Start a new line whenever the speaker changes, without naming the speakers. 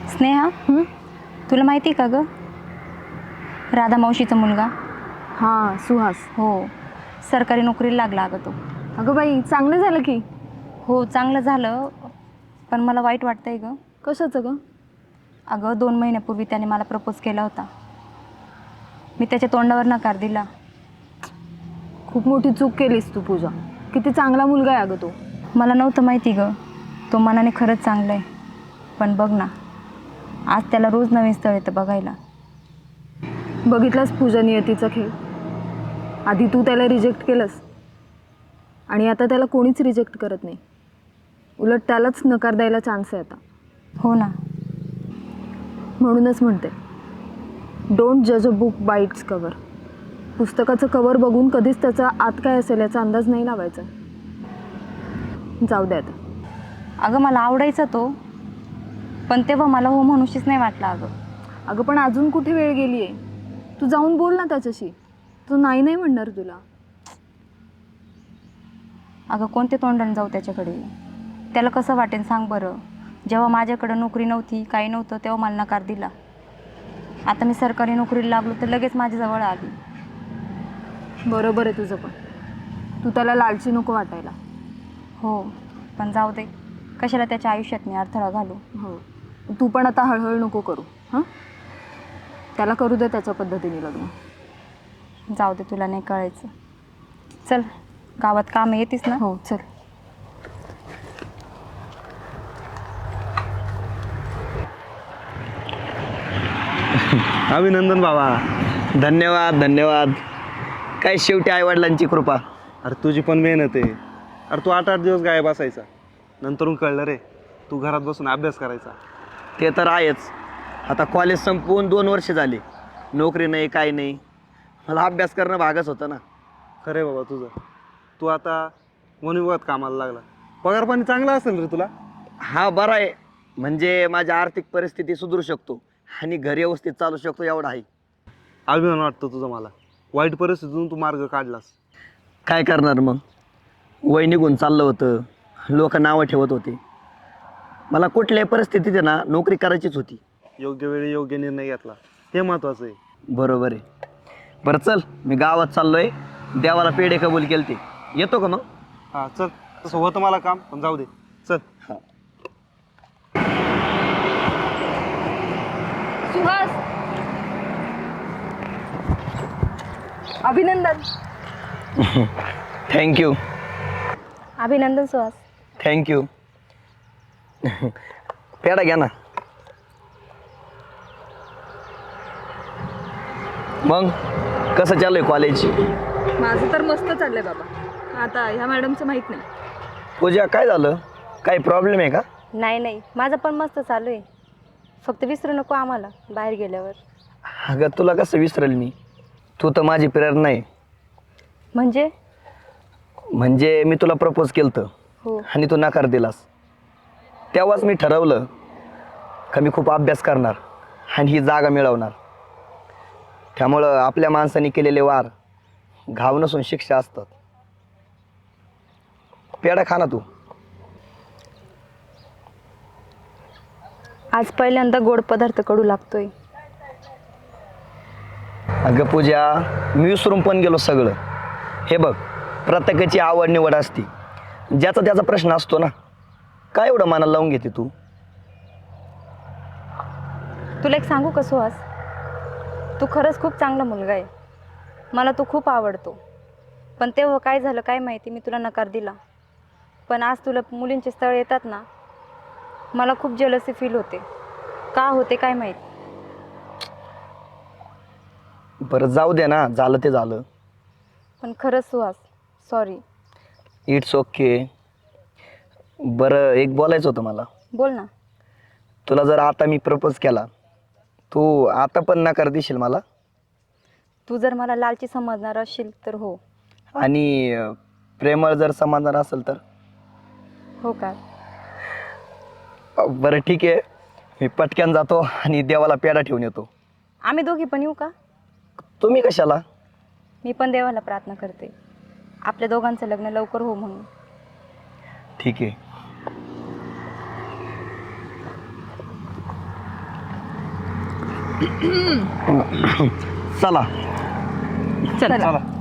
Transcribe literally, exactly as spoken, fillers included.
स्नेहा,
हं?
तुला माहिती का ग, राधा मावशीचा मुलगा?
हां, सुहास.
हो, सरकारी नोकरीला लागला अगं तो.
अगं बाई, चांगलं झालं की.
हो, चांगलं झालं, पण मला वाईट वाटतंय ग.
कशाचं ग?
अगं दोन महिन्यापूर्वी त्याने मला प्रपोज केला होता. मी त्याच्या तोंडावर नकार दिला.
खूप मोठी चूक केलीस तू पूजा. किती चांगला मुलगा आहे अगं तो.
मला नव्हतं माहिती ग, तो मनाने खरंच चांगलं आहे. पण बघ ना, आज त्याला रोज नवीन स्थळ येतं बघायला.
बघितलास पूजा नियतीचा खेळ. आधी तू त्याला रिजेक्ट केलंस आणि आता त्याला कोणीच रिजेक्ट करत नाही. उलट त्यालाच नकार द्यायला चान्स आहे आता.
हो ना.
म्हणूनच म्हणते, डोंट जज a book by its cover. पुस्तकाचं कवर बघून कधीच त्याचा आत काय असेल याचा अंदाज नाही लावायचा. जाऊ द्या आता.
अगं मला आवडायचा तो, पण तेव्हा मला हो म्हणूशीच नाही वाटलं अगं.
अगं पण अजून कुठे वेळ गेली आहे. तू जाऊन बोल ना त्याच्याशी. तो नाही नाही म्हणणार तुला.
अगं कोणते तोंडाने जाऊ त्याच्याकडे? त्याला कसं वाटेल सांग बरं. जेव्हा माझ्याकडं नोकरी नव्हती, काही नव्हतं, तेव्हा मला नकार दिला. आता मी सरकारी नोकरीला लागलो तर लगेच माझ्याजवळ आली.
बरोबर आहे तुझं, पण तू त्याला लालची नको वाटायला.
हो, पण जाऊ दे, कशाला त्याच्या आयुष्यात मी अडथळा घालू.
हो, तू पण आता हळहळ नको करू. हां, त्याला करू दे त्याच्या पद्धतीने लग्न.
जाऊ दे, तुला नाही कळायचं. चल, गावात काम येतीस ना?
हो चल.
अभिनंदन बाबा.
धन्यवाद धन्यवाद. काय शेवटी आईवडिलांची कृपा.
अरे तुझी पण मेहनत आहे. अरे तू आठ आठ दिवस गायब बसायचा, नंतरून कळलं रे तू घरात बसून अभ्यास करायचा.
ते तर आहेच. आता कॉलेज संपवून दोन वर्ष झाली, नोकरी नाही काही नाही. मला अभ्यास करणं भागच होतं ना.
खरे बाबा तुझं. तू आता वनविभागात कामाला लागला, पगार पाणी चांगला असेल रे तुला.
हा बरं आहे, म्हणजे माझी आर्थिक परिस्थिती सुधरू शकतो आणि घर व्यवस्थित चालू शकतो एवढा आहे.
अभिमान वाटतो तुझा मला. वाईट परिस्थितीतून तू मार्ग काढलास.
काय करणार मग, वय निघून चाललं होतं, लोक नावं ठेवत होते. मला कुठल्याही परिस्थितीत आहे ना नोकरी करायचीच होती.
योग्य वेळी योग्य निर्णय घेतला, हे महत्वाचं आहे.
बरोबर आहे. बरं चल, मी गावात चाललोय, देवाला पेढे कबूल केलते. येतो का मग?
हा चल, तसं होतं मला काम, पण जाऊ दे चल.
सुहास, अभिनंदन.
थँक्यू
अभिनंदन सुहास.
थँक्यू. पेढा घ्या ना. मग कसं चालू आहे कॉलेज?
माझं तर मस्त चाललंय बाबा. आता ह्या मॅडमचं माहीत नाही.
पूजा काय झालं, काही प्रॉब्लेम आहे का?
नाही नाही, माझं पण मस्त चालू आहे. फक्त विसरू नको आम्हाला बाहेर गेल्यावर.
अगं तुला कसं विसरेल मी, तू तर माझी प्रेरणा आहे.
म्हणजे?
म्हणजे मी तुला प्रपोज केलं होतं
हो.
आणि तू नकार दिलास. तेव्हाच मी ठरवलं का मी खूप अभ्यास करणार आणि ही जागा मिळवणार. त्यामुळं आपल्या माणसाने केलेले वार घाव नसून शिक्षा असतात. पेढा खा ना तू.
आज पहिल्यांदा गोड पदार्थ कडू लागतोय.
अगं पूजा, मी विसरून पण गेलो सगळं. हे बघ, प्रत्येकाची आवड निवड असते, ज्याचा त्याचा प्रश्न असतो ना. काय एवढं मनाला लावून घेते तू?
तुला एक सांगू का सुहास, तू खरंच खूप चांगला मुलगा आहे. मला तू खूप आवडतो. पण तेव्हा काय झालं काय माहिती, मी तुला नकार दिला. पण आज तुला मुलींचे स्थळ येतात ना, मला खूप जेलसी फील होते. का होते काय माहिती.
बरं जाऊ दे ना, झालं ते झालं.
पण खरंच सुहास, सॉरी.
It's okay. बरं एक बोलायचं होतं मला.
बोल ना.
तुला जर आता मी प्रपोज केला, तू आता पण नकार देशील मला?
तू जर मला लालची समजणार असशील तर हो.
आणि अं, प्रेमळ जर समजणार असेल तर?
हो का?
बरं ठीक आहे, मी पटक्यान जातो आणि देवाला पेढा ठेवून येतो.
आम्ही दोघी पण येऊ का?
तुम्ही कशाला?
मी पण देवाला प्रार्थना करते, आपल्या दोघांचं लग्न लवकर हो म्हणून.
ठीक आहे. चला
चला
चला